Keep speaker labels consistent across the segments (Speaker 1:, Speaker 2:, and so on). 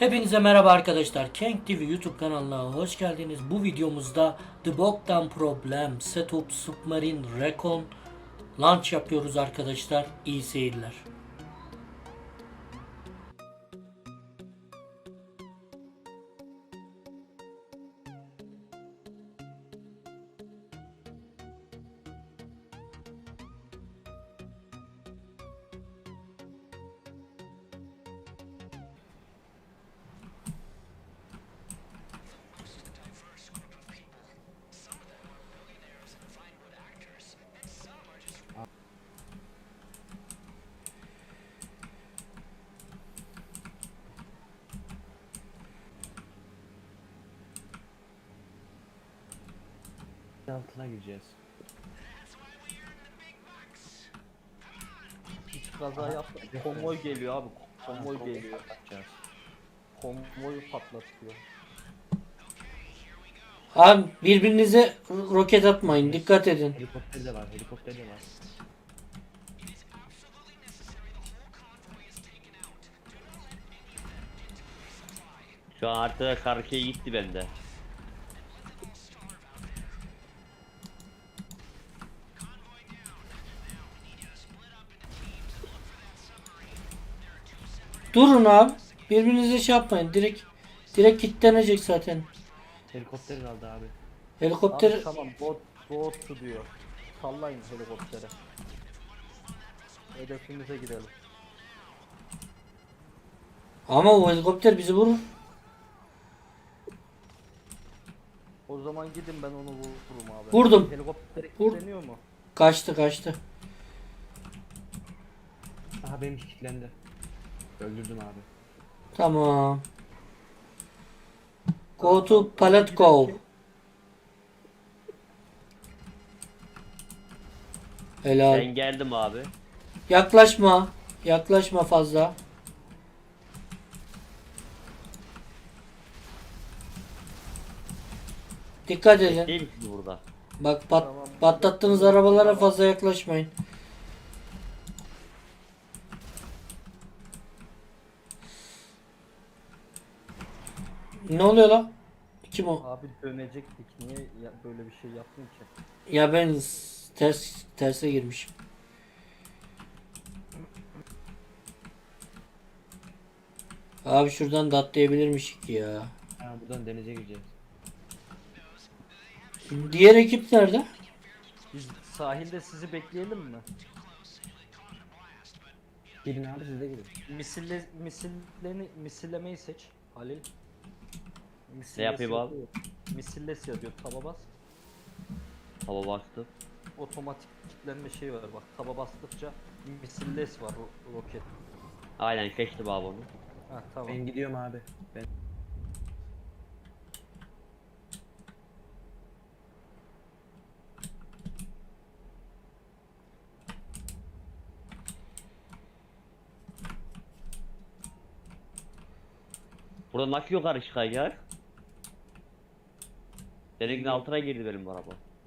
Speaker 1: Hepinize merhaba arkadaşlar. Kenk TV YouTube kanalına hoş geldiniz. Bu videomuzda The Bogdan Problem Setup Submarine Recon Launch yapıyoruz arkadaşlar. İyi seyirler.
Speaker 2: Altına gireceğiz.
Speaker 3: Hiç kaza yaptık. Konvoy geliyor abi. Konvoy geliyor.
Speaker 2: Yapacağız.
Speaker 3: Konvoyu patlatıyor.
Speaker 1: Abi birbirinize roket atmayın. Dikkat edin.
Speaker 2: Helikopter de var, helikopter de var.
Speaker 4: Şu an haritada karşıya gitti bende.
Speaker 1: Durun abi. Birbirinize şey yapmayın. Direkt kilitlenecek zaten.
Speaker 2: Helikopter kaldı abi.
Speaker 1: Helikopter
Speaker 3: Abi tamam bot diyor. Sallayın helikoptere. Hedefimize gidelim.
Speaker 1: ama o helikopter bizi vurur.
Speaker 3: O zaman gidin ben onu vururum abi.
Speaker 1: Vurdum.
Speaker 3: Helikopter
Speaker 1: Vur.
Speaker 3: kilitleniyor mu?
Speaker 1: Kaçtı.
Speaker 2: Aha benimki kilitlendi. Öldürdüm abi.
Speaker 1: Tamam. Go to pallet go. Helal.
Speaker 4: Ben geldim abi.
Speaker 1: Yaklaşma. Yaklaşma fazla. Dikkat edin.
Speaker 4: Değil misiniz burada?
Speaker 1: Bak
Speaker 3: Tamam.
Speaker 1: patlattığınız arabalara fazla yaklaşmayın. Ne oluyor lan? Kim o?
Speaker 3: Abi dönecektik. Niye böyle bir şey yaptın ki?
Speaker 1: Ya ben terse girmişim. Abi şuradan da atlayabilirmişik ya.
Speaker 2: Ha buradan denize gireceğiz.
Speaker 1: Diğer ekip nerede?
Speaker 3: Biz sahilde sizi bekleyelim mi?
Speaker 2: Gidin abi siz de gidin.
Speaker 3: Misillemeyi seç Halil.
Speaker 4: Ne yapayım abi?
Speaker 3: Misilles yazıyor. Taba bas.
Speaker 4: Hava bastım.
Speaker 3: Otomatik kilitlenme şeyi var bak. Taba bastıkça misilles var roket.
Speaker 4: Aynen seçtim abi onu.
Speaker 3: Ha tamam.
Speaker 2: Ben gidiyorum abi. Ben
Speaker 4: Burada nasıl yukarı çıkacak? Denizin altına girdi benim araba.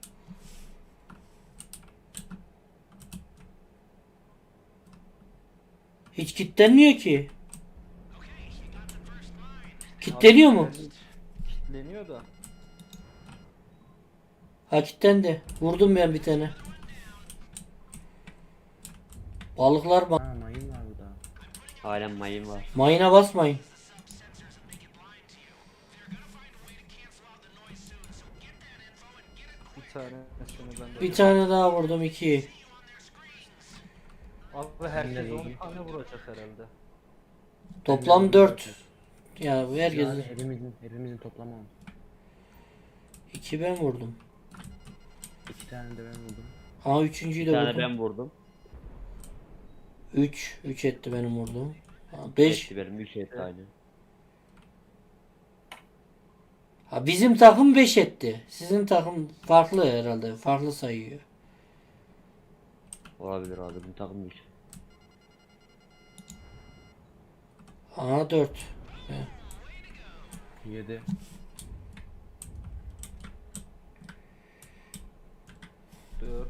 Speaker 1: Hiç kilitlenmiyor ki. Kilitleniyor mu?
Speaker 3: Kilitleniyor da.
Speaker 1: Ha kilitlendi. Vurdum ben bir tane. Balıklar
Speaker 2: ha mayın var burada.
Speaker 4: Aynen mayın var.
Speaker 1: mayına basmayın.
Speaker 3: Bir tane ben de.
Speaker 1: Bir tane daha vurdum 2.
Speaker 3: Abi herkes
Speaker 2: Benimle
Speaker 3: 10
Speaker 2: ilgili.
Speaker 3: tane vuracak herhalde.
Speaker 1: Toplam 4. Ya
Speaker 2: Yani
Speaker 1: herkes
Speaker 2: hepimizin toplamı 10.
Speaker 1: 2 ben vurdum.
Speaker 2: 2 tane de ben vurdum.
Speaker 1: Ha üçüncüyü
Speaker 4: Bir
Speaker 1: de
Speaker 4: tane
Speaker 1: vurdum.
Speaker 4: ben vurdum.
Speaker 1: 3 etti benim vurduğum. 5.
Speaker 4: Etti benim 3 etti aynen.
Speaker 1: Ha bizim takım 5 etti. Sizin takım farklı herhalde. Farklı sayıyor.
Speaker 4: Olabilir abi bu takım 3.
Speaker 1: Aha 4.
Speaker 2: 7.
Speaker 3: Dört.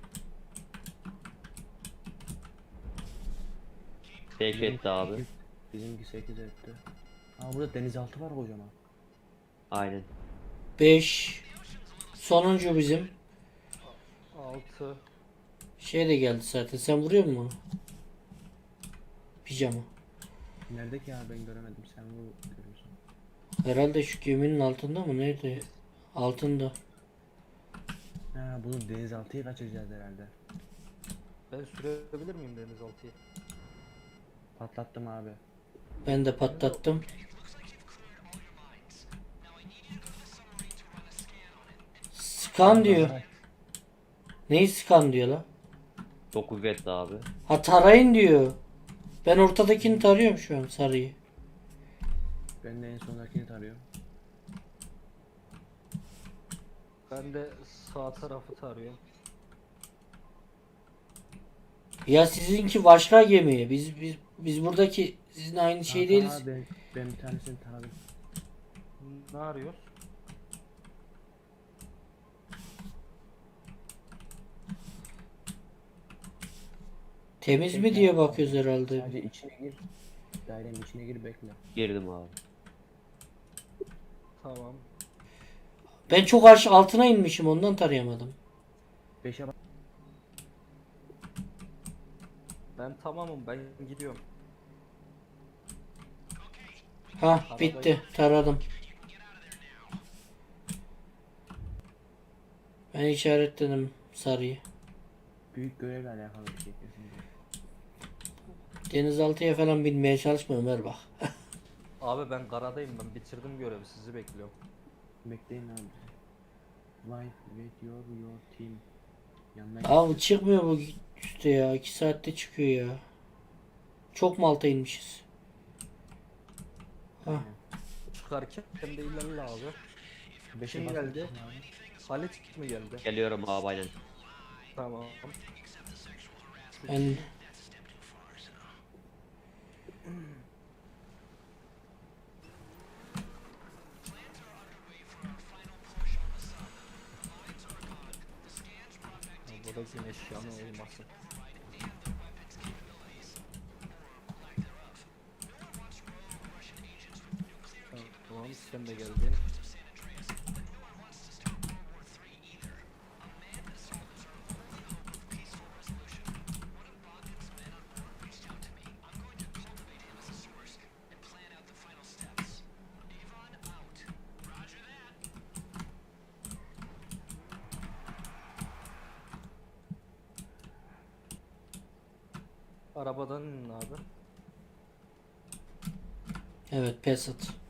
Speaker 4: Tek etti abi.
Speaker 2: Bizimki 8 etti. Aa burada denizaltı var kocaman.
Speaker 4: Aynen.
Speaker 1: 5. Sonuncu bizim.
Speaker 3: 6.
Speaker 1: Şey de geldi zaten. Sen vuruyor musun? Pijama.
Speaker 2: Nerede ki ya, ben göremedim, sen bu görüyorsun.
Speaker 1: Herhalde şu geminin altında mı? Nerede? Altında.
Speaker 2: Ha bunu denizaltıyı kaçıracağız herhalde.
Speaker 3: Ben sürebilir miyim denizaltıyı?
Speaker 2: Patlattım abi.
Speaker 1: Ben de patlattım. Scan diyor. Neyi scan diyor la?
Speaker 4: Çok kuvvetli abi.
Speaker 1: Ha tarayın diyor. Ben ortadakini tarıyorum şu an, sarıyı.
Speaker 2: Ben de en sondakini tarıyorum.
Speaker 3: Ben de sağ tarafı tarıyorum.
Speaker 1: Ya sizinki başka gemi. Biz buradaki sizin aynı şey
Speaker 2: Ha,
Speaker 1: değiliz.
Speaker 2: tamam abi, ben bir tanesini taradım.
Speaker 3: Ne arıyoruz?
Speaker 1: Temiz mi diye bakıyoruz herhalde.
Speaker 2: Sadece içine gir. Dairenin içine gir, bekle.
Speaker 4: Girdim abi.
Speaker 3: Tamam.
Speaker 1: Ben çok aşağı altına inmişim, ondan tarayamadım.
Speaker 2: 5'e bak.
Speaker 3: Ben tamamım, ben gidiyorum.
Speaker 1: Ha bitti, taradım. Ben işaretledim sarıyı.
Speaker 2: Büyük görevle alakalı bir şey kesinlikle.
Speaker 1: Denizaltıya falan binmeye çalışma Ömer bak.
Speaker 3: Abi ben karadayım, ben bitirdim görevi, sizi bekliyorum.
Speaker 2: Bekleyin abi. Live with your team. Yanına
Speaker 1: Abi çıkmıyor bu üstte ya. 2 saatte çıkıyor ya. Çok mu alta inmişiz? Ha.
Speaker 3: Çıkarken de ilerle abi.
Speaker 2: Beşe
Speaker 3: Kim
Speaker 2: bas
Speaker 3: geldi?
Speaker 2: abi.
Speaker 3: Halit mi geldi?
Speaker 4: Geliyorum abi aynen.
Speaker 3: Tamam.
Speaker 1: Ben
Speaker 3: Burada güneş yanı olmasın. Tamam, sen de geldin. Arabadan inin abi.
Speaker 1: evet pes at.